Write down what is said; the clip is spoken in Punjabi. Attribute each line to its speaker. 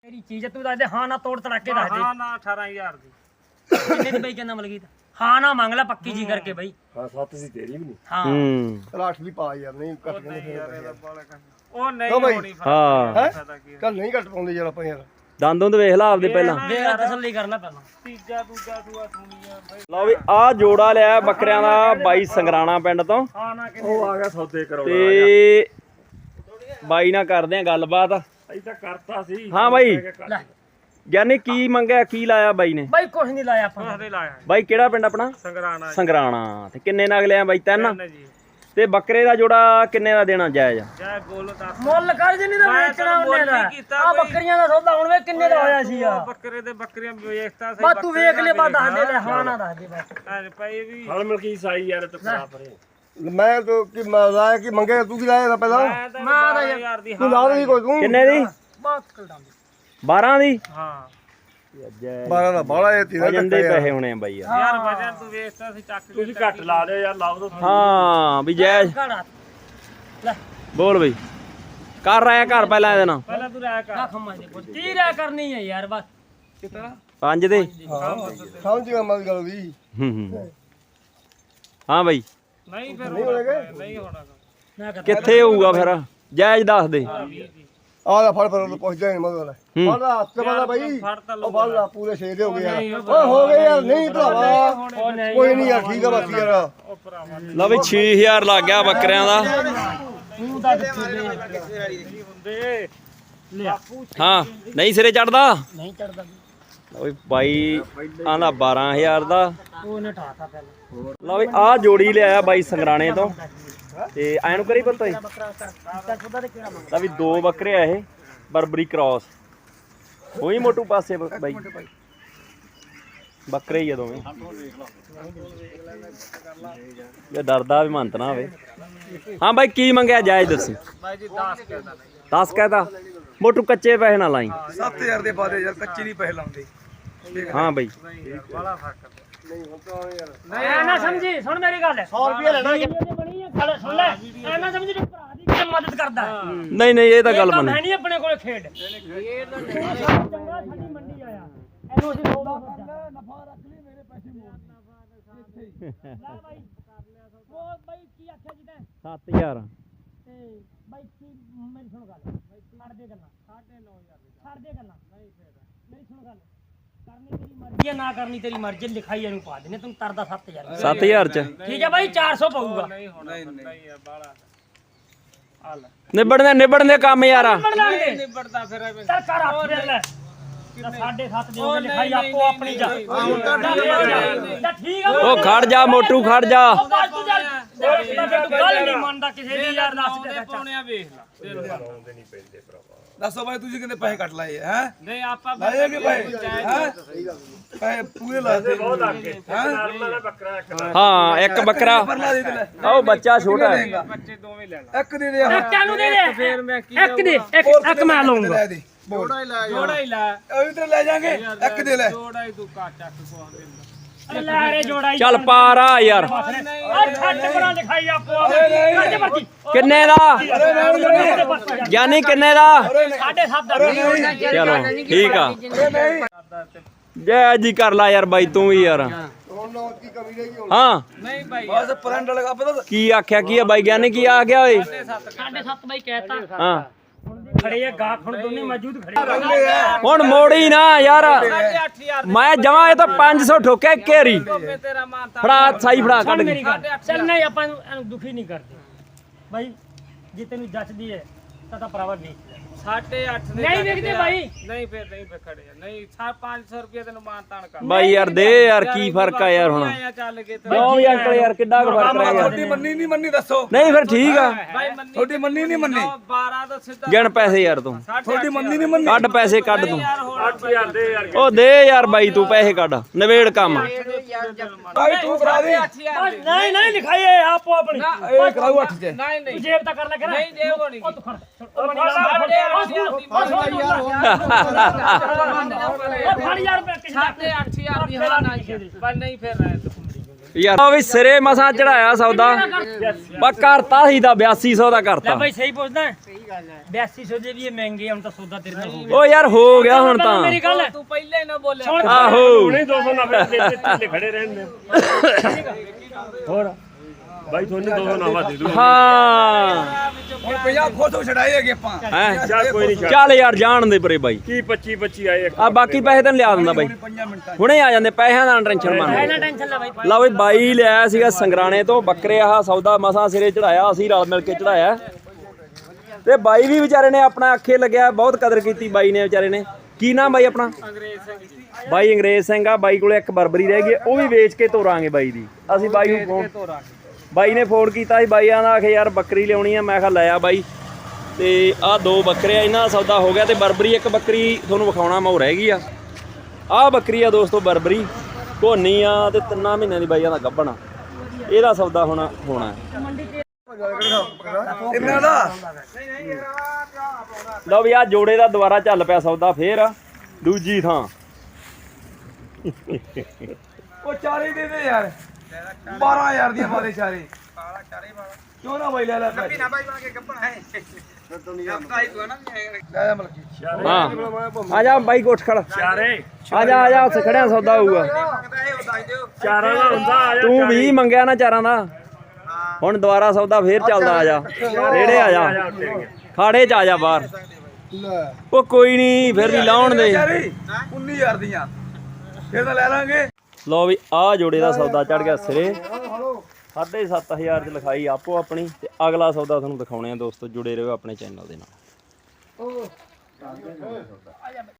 Speaker 1: ਤੇਰੀ ਚੀਜ਼ ਤੂੰ ਦੱਸ ਦੇ ਹਾਂ ਨਾ ਤੋੜ ਤੜਾਕੇ ਦੱਸ ਦੇ।
Speaker 2: ਹਾਂ ਨਾ 18000 ਦੀ
Speaker 1: ਕਿੰਨੇ ਦੀ ਬਈ ਕਹਿੰਦਾ ਮਲਕੀਤ? ਹਾਂ ਨਾ ਮੰਗ ਲੈ ਪੱਕੀ ਜੀ ਕਰਕੇ ਬਈ।
Speaker 3: ਹਾਂ 7 ਸੀ ਤੇਰੀ ਵੀ ਨਹੀਂ।
Speaker 1: ਹਾਂ
Speaker 4: ਚਲ 8 ਦੀ ਪਾ ਯਾਰ ਨਹੀਂ ਘੱਟ ਕਹਿੰਦੇ ਫਿਰ
Speaker 2: ਉਹ ਨਹੀਂ
Speaker 4: ਕਿਉਂ ਬਾਈ?
Speaker 2: ਹੋਣੀ
Speaker 5: ਹਾਂ
Speaker 4: ਚੱਲ ਨਹੀਂ ਘੱਟ ਪਾਉਂਦੇ ਯਾਰ ਆਪਾਂ ਯਾਰ
Speaker 5: ਦੰਦੋਂ ਤੇ ਵੇਖ ਲਾ ਆਪਦੇ ਪਹਿਲਾਂ।
Speaker 1: ਵੇਖ ਤਸੱਲੀ ਕਰ ਲੈ ਪਹਿਲਾਂ।
Speaker 2: ਤੀਜਾ ਦੂਜਾ ਦੂਆ ਸੁਣੀ ਆ ਬਾਈ
Speaker 5: ਲਓ ਵੀ ਆ ਜੋੜਾ ਲਿਆ ਬੱਕਰਿਆਂ ਦਾ ਬਾਈ ਸੰਗਰਾਣਾ ਪਿੰਡ ਤੋਂ
Speaker 2: ਹਾਂ ਨਾ ਕਿ
Speaker 3: ਉਹ ਆ ਗਿਆ ਸੌਦੇ ਕਰਾਉਣਾ
Speaker 5: ਤੇ ਬਾਈ ਨਾਲ ਕਰਦੇ ਆ ਗੱਲਬਾਤ।
Speaker 3: ਅਸੀਂ ਤਾਂ ਕਰਤਾ ਸੀ।
Speaker 5: ਹਾਂ ਬਾਈ
Speaker 1: ਲੈ
Speaker 5: ਗਿਆਨੀ ਕੀ ਮੰਗਿਆ ਕੀ ਲਾਇਆ ਬਾਈ ਨੇ?
Speaker 1: ਬਈ ਕੁਛ ਨਹੀਂ ਲਾਇਆ ਆਪਾਂ
Speaker 2: ਉਹਦੇ ਲਾਇਆ
Speaker 5: ਬਾਈ ਕਿਹੜਾ ਪਿੰਡ ਆਪਣਾ?
Speaker 2: ਸੰਗਰਾਣਾ
Speaker 5: ਸੰਗਰਾਣਾ। ਤੇ ਕਿੰਨੇ ਨਗ ਲਿਆ ਬਾਈ? 3।
Speaker 2: ਜੀ
Speaker 5: ਤੇ ਬੱਕਰੇ ਦਾ ਜੋੜਾ ਕਿੰਨੇ ਦਾ ਦੇਣਾ ਜਾਇਜ਼?
Speaker 2: ਜੈ ਬੋਲੋ ਦੱਸ
Speaker 1: ਮੁੱਲ ਕਰ ਜੇ ਨਹੀਂ ਤਾਂ
Speaker 2: ਮੈਂ
Speaker 1: ਵੇਚਣਾ
Speaker 2: ਤੈਨੂੰ
Speaker 1: ਉਹਨੇ
Speaker 2: ਮੁੱਲ
Speaker 1: ਦਾ।
Speaker 2: ਨਹੀਂ ਕੀਤਾ
Speaker 1: ਆ
Speaker 2: ਬਈ।
Speaker 1: ਬੱਕਰੀਆਂ ਦਾ ਸੌਦਾ ਹੁਣ ਵੇ ਕਿੰਨੇ ਦਾ ਹੋਇਆ ਸੀ ਆ।
Speaker 2: ਬੱਕਰੇ ਦੇ ਬੱਕਰੀਆਂ ਵੇਖਤਾ ਸੀ
Speaker 1: ਬਸ ਤੂੰ ਵੇਖ ਲੈ ਬਾ ਦੱਸ ਦੇ ਲੈ ਹਾਂ ਨਾ ਦੱਸ ਦੇ ਬਸ।
Speaker 2: ਪਈ ਵੀ
Speaker 3: ਹਲ ਮਲਕੀ ਸਾਈ ਯਾਰ ਤੂੰ ਖਰਾ ਪਰੇ।
Speaker 4: ਮੈਂ ਤਾਂ ਕਿ ਲਾਇਆ ਕਿ ਮੰਗਿਆ ਤੂੰ ਕੀ ਲਾਇਆ ਇਹਦਾ ਪਹਿਲਾਂ
Speaker 2: ਮੈਂ ਤਾਂ 12000 ਦੀ
Speaker 4: ਤੂੰ ਲਾ ਦੇ ਕੋਈ ਤੂੰ
Speaker 5: ਕਿੰਨੇ ਦੀ?
Speaker 1: ਬਸ ਕਲਡਾਂ
Speaker 5: 12 ਦੀ?
Speaker 2: ਹਾਂ
Speaker 4: 12 ਦਾ ਬਾਲਾ ਇਹ ਤੀਰਾ
Speaker 5: ਵਜਨ ਦੇ ਪੈਸੇ ਹੋਣੇ ਆ ਬਾਈ ਯਾਰ।
Speaker 2: ਯਾਰ ਵਜਨ ਤੂੰ ਵੇਚਤਾ ਸੀ ਚੱਕ ਕੇ
Speaker 3: ਤੁਸੀਂ ਘੱਟ ਲਾ ਦਿਓ ਯਾਰ ਲਾਓ ਦੋ।
Speaker 5: ਹਾਂ ਵੀ ਜਾਇਜ਼
Speaker 1: ਘੜਾ ਲੈ
Speaker 5: ਬੋਲ ਬਈ। ਕਰ ਰਾਇਆ ਘਰ ਪਹਿਲਾਂ ਇਹਦੇ ਨਾਲ
Speaker 2: ਪਹਿਲਾਂ ਤੂੰ ਰਹਿ
Speaker 1: ਨਾ
Speaker 2: ਕਰ
Speaker 1: ਖੰਮਾ ਦੇ ਪੁੱਤ 30 ਰਿਆ ਕਰਨੀ ਹੈ ਯਾਰ ਬਸ।
Speaker 2: ਕਿਤਨਾ
Speaker 5: 5 ਦੇ?
Speaker 4: ਸਮਝ ਗਿਆ ਮਤ ਗੱਲ ਦੀ
Speaker 5: ਹਾਂ ਬਾਈ
Speaker 2: ਨਹੀਂ ਫਿਰ ਨਹੀਂ ਹੋਣਾ
Speaker 1: ਨਾ ਕਰ
Speaker 5: ਕਿੱਥੇ ਹੋਊਗਾ ਫਿਰ? ਜਾਇਜ਼ ਦੱਸ ਦੇ।
Speaker 4: ਆਹ ਲੈ ਫੜ ਫਿਰ ਪੁੱਛਦਾ ਨਹੀਂ ਮਗਰ ਫੜ ਲਾ ਹੱਥ ਵਾਲਾ ਬਾਈ
Speaker 2: ਫੜ ਤਾਂ
Speaker 4: ਉਹ ਫੜ ਲਾ ਪੂਰੇ 6 ਦੇ ਹੋ ਗਏ ਯਾਰ ਓਏ ਹੋ ਗਏ ਯਾਰ ਨਹੀਂ ਭਰਾਵਾ ਕੋਈ ਨਹੀਂ ਯਾਰ ਠੀਕ ਆ ਬਸ ਯਾਰ
Speaker 2: ਉਹ ਭਰਾਵਾ
Speaker 5: ਲਓ ਵੀ 6000 ਲੱਗ ਗਿਆ ਬੱਕਰਿਆਂ ਦਾ।
Speaker 1: ਤੂੰ ਤਾਂ ਕਿੱਥੇ ਦੇ
Speaker 2: ਨਹੀਂ ਹੁੰਦੇ
Speaker 5: ਹਾਂ ਨਹੀਂ ਸਿਰੇ ਚੜਦਾ।
Speaker 1: ਨਹੀਂ ਚੜਦਾ
Speaker 5: ਲਓ ਵੀ ਬਾਈ ਆਂਦਾ 12000 ਦਾ।
Speaker 1: ਉਹਨੇ ਠਾਤਾ ਪਹਿਲਾਂ
Speaker 5: ਲਓ ਵੀ ਆਹ ਜੋੜੀ ਲਿਆਇਆ ਬਾਈ ਸੰਗਰਾਣੇ ਤੋਂ। ਤੇ ਐਂ ਨੂੰ ਕਰੀ ਪਤਾ
Speaker 1: ਬੱਕਰਾ ਕਰ ਖੁਦਾ ਤੇ ਕਿਹੜਾ ਮੰਗ
Speaker 5: ਲਓ ਵੀ 2 ਬੱਕਰੇ ਆ ਇਹ ਬਰਬਰੀ ਕ੍ਰਾਸ। ਉਹੀ ਮੋਟੂ ਪਾਸੇ ਬਾਈ ਬੱਕਰੇ ਹੀ ਆ ਦੋਵੇਂ। ਇਹ ਡਰਦਾ ਵੀ ਮੰਤ ਨਾ ਹੋਵੇ। ਹਾਂ ਬਾਈ ਕੀ ਮੰਗਿਆ ਜਾਇਜ਼ ਦੱਸੀ।
Speaker 2: ਬਾਈ ਜੀ 10 ਕਹਿਦਾ
Speaker 5: 10 ਕਹਿਤਾ ਮੋਟੂ ਕੱਚੇ ਪੈਸੇ ਨਾ ਲਾਈ।
Speaker 4: 7000 ਦੇ ਬਾਦੇ ਯਾਰ ਕੱਚੀ ਨਹੀਂ ਪੈਸੇ ਲਾਉਂਦੇ
Speaker 5: ਹਾਂ ਬਾਈ
Speaker 2: ਬੜਾ ਫਰਕ
Speaker 4: ਨਹੀਂ ਹੁਣ ਤਾਂ ਯਾਰ
Speaker 1: ਐ ਨਾ ਸਮਝੀ ਸੁਣ ਮੇਰੀ ਗੱਲ
Speaker 4: 100 ਰੁਪਏ ਲੈਣਾ
Speaker 1: ਵੀਡੀਓ ਬਣੀ ਹੈ ਗੱਲ ਸੁਣ ਲੈ ਐ ਨਾ ਸਮਝੀ ਤੂੰ ਭਰਾ ਦੀ ਕਿਵੇਂ ਮਦਦ ਕਰਦਾ ਹੈ।
Speaker 5: ਨਹੀਂ ਨਹੀਂ ਇਹ ਤਾਂ ਗੱਲ
Speaker 1: ਕੰਮ
Speaker 5: ਮੰਨੀ।
Speaker 1: ਹੈ ਨਹੀਂ ਆਪਣੇ ਕੋਲ ਖੇਡ ਚੰਗਾ ਸਾਡੀ ਮੰਡੀ ਆਇਆ ਇਹਨੂੰ ਅਸੀਂ ਸੌਦਾ ਨਫਾ ਰੱਖ ਲਈ ਮੇਰੇ ਪੈਸੇ ਮੋੜ ਲੈ ਬਾਈ ਉਹ ਬਾਈ ਕੀ ਆਖਿਆ ਜੀ ਤੈਂ
Speaker 5: 7000
Speaker 1: ਤੇ ਬਾਈ ਕੀ ਮੇਰੀ ਸੁਣ ਗੱਲ ਛੱਡ ਦੇ ਗੱਲਾਂ 9500 ਛੱਡ ਦੇ ਗੱਲਾਂ ਨਹੀਂ ਫੇਰ ਮੇਰੀ ਸੁਣ ਗੱਲ ਕਰਨੀ ਤੇਰੀ ਮਰਜ਼ੀ ਹੈ ਨਾ ਕਰਨੀ ਤੇਰੀ ਮਰਜ਼ੀ ਲਿਖਾਈ ਇਹਨੂੰ ਪਾ ਦੇਣੇ ਤੈਨੂੰ ਤਰਦਾ 7000
Speaker 5: 7000 ਚ
Speaker 1: ਠੀਕ ਹੈ ਬਾਈ 400 ਪਊਗਾ
Speaker 2: ਨਹੀਂ ਹੋਣਾ ਨਹੀਂ ਯਾਰ ਬਾਲਾ ਹਾਲ
Speaker 5: ਨਿਬੜਨ ਦੇ ਕੰਮ ਯਾਰ।
Speaker 1: ਲਾਂਗੇ
Speaker 2: ਨਿਬੜਦਾ ਫਿਰ ਐਵੇਂ
Speaker 1: ਚੱਲ ਕਰ ਆਪੇ ਲੈ 7.5 ਦੇ ਉਹਨੇ ਲਿਖਾਈ ਆਪੋ ਆਪਣੀ ਜਾ ਤਾਂ ਠੀਕ ਆ
Speaker 5: ਉਹ ਖੜ ਜਾ ਮੋਟੂ ਖੜ ਜਾ।
Speaker 1: ਬਸ ਤੂੰ ਚੱਲ ਗੱਲ ਨਹੀਂ ਮੰਨਦਾ ਕਿਸੇ ਦੀ ਯਾਰ ਦੱਸ ਦੇ
Speaker 2: ਪਾਉਣਿਆ ਵੇਖ ਲੈ
Speaker 6: ਦੱਸੋ ਭਾਈ ਤੁਸੀਂ ਕਿੰਨੇ ਪੈਸੇ ਕੱਟ ਲਾਏ ਹੈ
Speaker 2: ਨਹੀਂ ਆਪਾਂ
Speaker 6: ਲਾਏ ਕਿ ਪੈਸੇ ਹੈ ਪੈਸੇ ਪੂਰੇ ਲਾਤੇ
Speaker 3: ਬਹੁਤ ਲੱਗ ਗਏ। ਨਰਮਾ ਦਾ ਬੱਕਰਾ ਇੱਕ ਦਾ।
Speaker 5: ਹਾਂ ਇੱਕ ਬੱਕਰਾ
Speaker 6: ਲਾ ਦੇ ਤੇ ਲੈ
Speaker 5: ਉਹ ਬੱਚਾ ਛੋਟਾ ਹੈ।
Speaker 2: ਬੱਚੇ ਦੋਵੇਂ ਲੈ ਲੈ
Speaker 6: ਇੱਕ ਦੇ ਦੇ ਆਹ
Speaker 1: ਇੱਕ ਨੂੰ ਦੇ ਦੇ
Speaker 2: ਫਿਰ ਮੈਂ ਕੀ
Speaker 1: ਇੱਕ ਦੇ ਇੱਕ ਮੈਂ ਲਊਂਗਾ
Speaker 6: ਲੈ ਦੇ
Speaker 2: ਜੋੜਾ ਹੀ ਲੈ
Speaker 6: ਉਹ ਵੀ ਤੇ ਲੈ ਜਾਾਂਗੇ ਇੱਕ ਦੇ ਲੈ
Speaker 2: ਜੋੜਾ ਹੀ ਤੂੰ ਕਾ ਚੱਕ ਕੋ ਦਿੰਦਾ
Speaker 1: ਲੈ ਰੇ ਜੋੜਾ
Speaker 5: ਚੱਲ ਪਾਰਾ ਯਾਰ।
Speaker 1: ਆ ਛੱਡ ਬਣਾ ਲਿਖਾਈ ਆਪੋ ਆਪਣੀ ਕੱਢ ਪਰਚੀ
Speaker 5: ਕਿੰਨੇ ਦਾ ਗਿਆਨੀ ਕਿੰਨੇ ਦਾ?
Speaker 1: 7.5 ਦਾ
Speaker 5: ਚਲੋ ਠੀਕ ਆ ਜੈ ਜੀ ਕਰ ਲਾ ਯਾਰ ਬਾਈ ਤੂੰ ਵੀ ਯਾਰ।
Speaker 4: ਹੁਣ ਨਾ ਕੀ ਕਮੀ ਰਹੀ ਹੁਣ
Speaker 5: ਹਾਂ
Speaker 2: ਨਹੀਂ ਭਾਈ
Speaker 6: ਬਸ ਪਰੰਡ ਲਗਾ ਪਤਾ
Speaker 5: ਕੀ ਆਖਿਆ ਕੀ ਆ ਬਾਈ ਗਿਆਨੀ ਕੀ ਆ ਗਿਆ ਓਏ?
Speaker 1: 7.5 ਬਾਈ ਕਹਿਤਾ
Speaker 5: ਹਾਂ
Speaker 1: ਖੜੇ ਆ ਗਾਖ ਹੁਣ ਦੋਨੇ ਮੌਜੂਦ ਖੜੇ
Speaker 5: ਹੁਣ ਮੋੜੀ ਨਾ ਯਾਰ
Speaker 2: 8000
Speaker 5: ਮੈਂ ਜਮਾ ਇਹ ਤਾਂ 500 ਠੋਕਿਆ ਘੇਰੀ।
Speaker 2: ਮੈਂ ਤੇਰਾ ਮਾਨ ਤਾਂ
Speaker 5: ਫੜਾ ਸਾਈ ਫੜਾ ਕੱਢ
Speaker 1: ਮੇਰੀ
Speaker 5: ਕੇ।
Speaker 1: ਗੱਲ ਚੱਲ ਨਹੀਂ ਆਪਾਂ ਇਹਨੂੰ ਦੁਖੀ ਨਹੀਂ ਕਰਦੇ ਬਾਈ ਜੇ ਤੈਨੂੰ ਜੱਚਦੀ ਹੈ ਤਾਂ ਭਰਾਵਾ ਵੇਚ ਲੈ
Speaker 2: 8.5 ਦੇ
Speaker 1: ਨਹੀਂ ਵੇਚਦੇ ਬਾਈ
Speaker 2: ਨਹੀਂ ਫਿਰ ਖੜੇ ਆ ਨਹੀਂ 500 ਰੁਪਏ ਤੈਨੂੰ ਮਾਨ ਤਾਨ ਕਰ
Speaker 5: ਬਾਈ ਯਾਰ ਦੇ ਯਾਰ ਕੀ ਫਰਕ ਆ ਯਾਰ ਹੁਣ।
Speaker 2: ਆਇਆ ਚੱਲ ਕੇ ਤੇ
Speaker 5: ਕਿਉਂ ਵੀ ਅੰਕਲ ਯਾਰ ਕਿੱਡਾ ਕੁ ਫਰਕ ਰਹਿ ਗਿਆ।
Speaker 6: ਤੁਹਾਡੀ ਮੰਨੀ ਨਹੀਂ ਮੰਨੀ ਦੱਸੋ
Speaker 5: ਨਹੀਂ ਫਿਰ ਠੀਕ ਆ
Speaker 2: ਭਾਈ ਮੰਨੀ
Speaker 6: ਤੁਹਾਡੀ ਮੰਨੀ ਨਹੀਂ ਮੰਨੀ
Speaker 2: 12 ਦਾ ਸਿੱਧਾ
Speaker 5: ਗਿਣ ਪੈਸੇ ਯਾਰ ਤੂੰ
Speaker 6: ਤੁਹਾਡੀ ਮੰਨੀ ਨਹੀਂ ਮੰਨੀ
Speaker 5: ਕੱਢ ਪੈਸੇ ਕੱਢ ਤੂੰ।
Speaker 2: ਯਾਰ ਹੋਰ
Speaker 3: 8000 ਦੇ ਯਾਰ।
Speaker 5: ਉਹ ਦੇ ਯਾਰ ਬਾਈ ਤੂੰ ਪੈਸੇ ਕੱਢ ਨਵੇੜ ਕੰਮ।
Speaker 6: ਭਾਈ ਤੂੰ ਕਰਾ ਦੇ
Speaker 2: 8000
Speaker 1: ਨਹੀਂ ਨਹੀਂ ਲਿਖਾਈ ਹੈ ਆਪੋ ਆਪਣੀ
Speaker 6: ਇਹ ਕਰਾਉ 8 ਚ
Speaker 2: ਨਹੀਂ ਨਹੀਂ
Speaker 1: ਜੇਬ ਤਾਂ ਕਰ ਲੈ ਕਰ
Speaker 2: ਨਹੀਂ ਜੇਬ ਹੋਣੀ
Speaker 1: ਉਹ ਤੂੰ ਖੜ ਫੜ ਯਾਰ ਕਿਸੇ ਦਾ
Speaker 2: 8.5 ਦੀ ਹਾਂ ਨਾ ਪਰ ਨਹੀਂ ਫਿਰ ਰਹਿ ਤੂੰ
Speaker 5: ਯਾਰ ਉਹ ਵੀ ਸਿਰੇ ਮਸਾਂ ਚੜਾਇਆ ਸੌਦਾ ਬਾ ਕਰਤਾ ਸੀ ਦਾ 8200 ਦਾ
Speaker 1: ਲੈ
Speaker 5: ਕਰਤਾ।
Speaker 1: ਬਾਈ ਸਹੀ ਪੁੱਛਦਾ 8200 ਦੇ ਵੀ ਇਹ ਮਹਿੰਗੇ ਹੁਣ ਤਾਂ ਸੌਦਾ ਤੇਰੇ ਨਾਲ ਹੋ ਗਿਆ
Speaker 5: ਓ ਯਾਰ ਹੋ ਗਿਆ ਹੁਣ ਤਾਂ
Speaker 1: ਮੇਰੀ ਗੱਲ
Speaker 2: ਤੂੰ ਪਹਿਲਾਂ ਹੀ ਨਾ ਬੋਲਿਆ
Speaker 5: ਆਹੋ
Speaker 3: ਹੁਣੇ 290 ਦੇ ਢਿੱਲੇ ਖੜੇ ਰਹਿਣ ਦੇ ਹੋਰ ਬਾਈ ਤੁਹਾਨੂੰ 290 ਦੇ ਦੂ
Speaker 5: ਹਾਂ
Speaker 6: ਹੁਣ 50 ਖੋਤੋਂ ਛਡਾਏ ਹੈਗੇ ਆਪਾਂ
Speaker 5: ਹੈ
Speaker 3: ਚੱਲ ਕੋਈ ਨਹੀਂ
Speaker 5: ਚੱਲ ਯਾਰ ਜਾਣ ਦੇ ਪਰੇ ਬਾਈ
Speaker 3: ਕੀ 25 ਆਏ ਇੱਕ
Speaker 5: ਆ ਬਾਕੀ ਪੈਸੇ ਤੈਨੂੰ ਲਿਆ ਦਿੰਦਾ ਬਾਈ
Speaker 6: 5 ਮਿੰਟਾਂ
Speaker 5: ਹੁਣੇ ਆ ਜਾਂਦੇ ਪੈਸਿਆਂ ਦਾ ਟੈਨਸ਼ਨ ਮੰਨ
Speaker 1: ਇਹਨਾਂ ਟੈਨਸ਼ਨ ਲੈ ਬਾਈ
Speaker 5: ਲਓ ਬਈ ਬਾਈ ਲਿਆਇਆ ਸੀਗਾ ਸੰਗਰਾਣੇ ਤੋਂ ਬੱਕਰੇ ਆਹ ਸੌਦਾ ਮਸਾਂ ਸਿਰੇ ਚੜਾਇਆ ਅਸੀਂ ਰਲ ਮਿਲ ਕੇ ਚੜਾਇਆ ਤੇ ਬਾਈ ਵੀ ਵਿਚਾਰੇ ਨੇ ਆਪਣਾ ਅੱਖੇ ਲੱਗਿਆ ਬਹੁਤ ਕਦਰ ਕੀਤੀ ਬਾਈ ਨੇ ਵਿਚਾਰੇ ਨੇ ਕੀ ਨਾਮ ਬਾਈ ਆਪਣਾ
Speaker 2: ਅੰਗਰੇਜ਼ ਸਿੰਘ
Speaker 5: ਬਾਈ ਅੰਗਰੇਜ਼ ਸਿੰਘ ਆ ਬਾਈ ਕੋਲੇ ਇੱਕ ਬਰਬਰੀ ਰਹਿ ਗਈ ਉਹ ਵੀ ਵੇਚ ਕੇ ਤੋਰਾਂਗੇ ਬਾਈ ਦੀ ਅਸੀਂ ਬਾਈ ਨੂੰ ਫੋਨ ਬਾਈ ਨੇ ਫੋਨ ਕੀਤਾ ਸੀ ਬਾਈਆਂ ਦਾ ਆਖੇ ਯਾਰ ਬੱਕਰੀ ਲਿਆਉਣੀ ਆ ਮੈਂ ਕਿਹਾ ਲੈ ਆ ਬਾਈ ਤੇ ਆਹ 2 ਬੱਕਰੇ ਆ ਇਹਨਾਂ ਦਾ ਸੌਦਾ ਹੋ ਗਿਆ ਤੇ ਬਰਬਰੀ ਇੱਕ ਬੱਕਰੀ ਤੁਹਾਨੂੰ ਵਿਖਾਉਣਾ ਮੈਂ ਉਹ ਰਹਿ ਗਈ ਆ ਆਹ ਬੱਕਰੀ ਆ ਦੋਸਤੋ ਬਰਬਰੀ ਘੋਨੀ ਆ ਤੇ 3 ਮਹੀਨਿਆਂ ਦੀ ਬਾਈਆਂ ਦਾ ਗੱਭਣਾ ਇਹਦਾ ਸੌਦਾ ਹੋਣਾ
Speaker 6: ਇਹਨਾਂ ਦਾ
Speaker 5: ਲਓ ਵੀ ਆ ਜੋੜੇ ਦਾ ਦੁਬਾਰਾ ਚੱਲ ਪਿਆ ਸੌਦਾ ਫੇਰ ਦੂਜੀ ਥਾਂ
Speaker 6: ਉਹ ਚਾਰੇ ਦੇ ਦੇ ਯਾਰ 12000 ਦੀਆਂ ਮਾਰੇ ਚਾਰੇ ਕਿਉਂ ਨਾ ਬਾਈ ਲੈ ਲੈ ਪੈਸੇ ਨਾ ਬਾਈ ਬਣ ਕੇ ਗੱਪਣਾ ਹੈ ਲੈ ਮਲਕੀ
Speaker 5: ਹਾਂ ਆ ਜਾ ਬਾਈ ਕੋਠ ਖੜ
Speaker 3: ਚਾਰੇ
Speaker 5: ਆ ਜਾ ਉੱਥੇ ਖੜਿਆ ਸੌਦਾ ਹੋਊਗਾ
Speaker 3: ਚਾਰਾਂ ਦਾ ਹੁੰਦਾ ਆ ਜਾ
Speaker 5: ਤੂੰ 20 ਮੰਗਿਆ ਨਾ ਚਾਰਾਂ ਦਾ ਹੁਣ ਦੁਬਾਰਾ ਸੌਦਾ ਫੇਰ ਚੱਲਦਾ ਆ ਜਾ ਨੇੜੇ ਆ ਜਾ ਖਾੜੇ ਚ ਆ ਜਾ ਬਾਹਰ
Speaker 6: ਲੈ
Speaker 5: ਉਹ ਕੋਈ ਨਹੀਂ ਫਿਰ ਵੀ ਲਾਉਣ ਦੇ
Speaker 6: ਚਾਰੇ 19000 ਦੀਆਂ ਫਿਰ ਤਾਂ ਲੈ ਲਾਂਗੇ
Speaker 5: ਲਓ ਵੀ ਆਹ ਜੋੜੇ ਦਾ ਸੌਦਾ ਚੜ ਗਿਆ ਸਿਰੇ 7500 ਚ ਲਿਖਾਈ ਆਪੋ ਆਪਣੀ ਤੇ ਅਗਲਾ ਸੌਦਾ ਤੁਹਾਨੂੰ ਦਿਖਾਉਣੇ ਆ ਦੋਸਤੋ ਜੁੜੇ ਰਹੋ ਆਪਣੇ ਚੈਨਲ ਦੇ ਨਾਲ